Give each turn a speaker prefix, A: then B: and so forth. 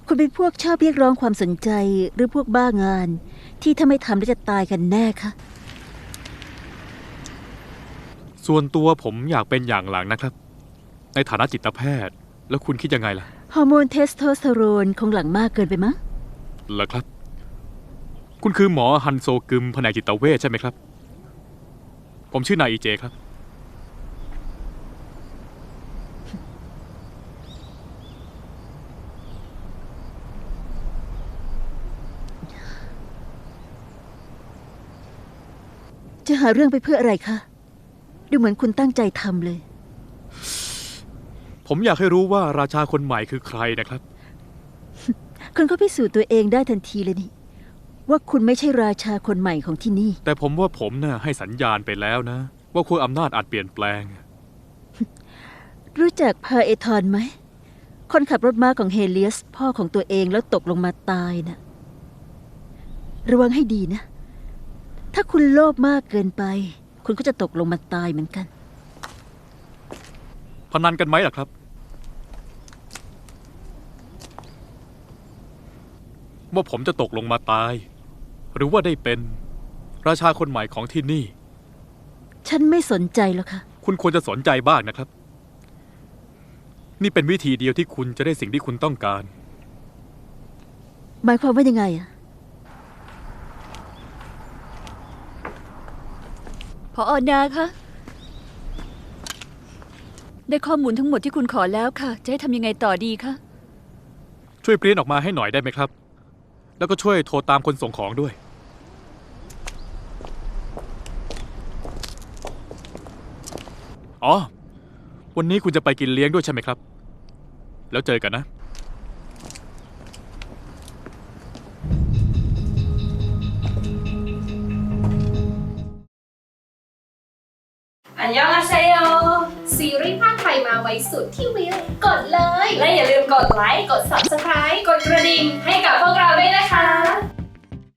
A: คุณเป็นพวกชอบเรียกร้องความสนใจหรือพวกบ้างาน ที่ถ้าไม่ทำแล้วจะตายกันแน่คะ
B: ส่วนตัวผมอยากเป็นอย่างหลังนะครับในฐานะจิตแพทย์แล้วคุณคิดยังไงล่ะ
A: ฮอร์โมนเทสโทสเตอโรนคงหลั่งมากเกินไปมั้ง
B: เหรอครับคุณคือหมอฮันโซกึมแผนกจิตเวชใช่ไหมครับผมชื่อนายอีเจครับ
A: จะหาเรื่องไปเพื่ออะไรคะดูเหมือนคุณตั้งใจทำเลย
B: ผมอยากให้รู้ว่าราชาคนใหม่คือใครนะครับ
A: คุณก็พิสูจน์ตัวเองได้ทันทีเลยนี่ว่าคุณไม่ใช่ราชาคนใหม่ของที่นี่
B: แต่ผมว่าผมน่ะให้สัญญาณไปแล้วนะว่าขั้วอำนาจอาจเปลี่ยนแปลง
A: รู้จักพาเอทอนไหมคนขับรถม้าของเฮเลียสพ่อของตัวเองแล้วตกลงมาตายนะ่ะระวังให้ดีนะถ้าคุณโลภมากเกินไปคุณก็จะตกลงมาตายเหมือนกัน
B: พนันกันไหมล่ะครับว่าผมจะตกลงมาตายหรือว่าได้เป็นราชาคนใหม่ของที่นี่
A: ฉันไม่สนใจแล้วค่ะ
B: คุณควรจะสนใจบ้างนะครับนี่เป็นวิธีเดียวที่คุณจะได้สิ่งที่คุณต้องการ
A: หมายความว่ายังไงอะ
C: ผอ.นาคะได้ข้อมูลทั้งหมดที่คุณขอแล้วค่ะจะให้ทำยังไงต่อดีคะ
B: ช่วยปริ้นออกมาให้หน่อยได้ไหมครับแล้วก็ช่วยโทรตามคนส่งของด้วยอ๋อวันนี้คุณจะไปกินเลี้ยงด้วยใช่ไหมครับแล้วเจอกันนะ
D: อันยองอาเซโย
E: ซีรีส์ภาคไทยมาไว้สุดที่วิวกดเลย
D: และอย่าลืมกดไลค์ กด Subscribe กดกระดิ่งให้กับพวกเราด้วยนะคะ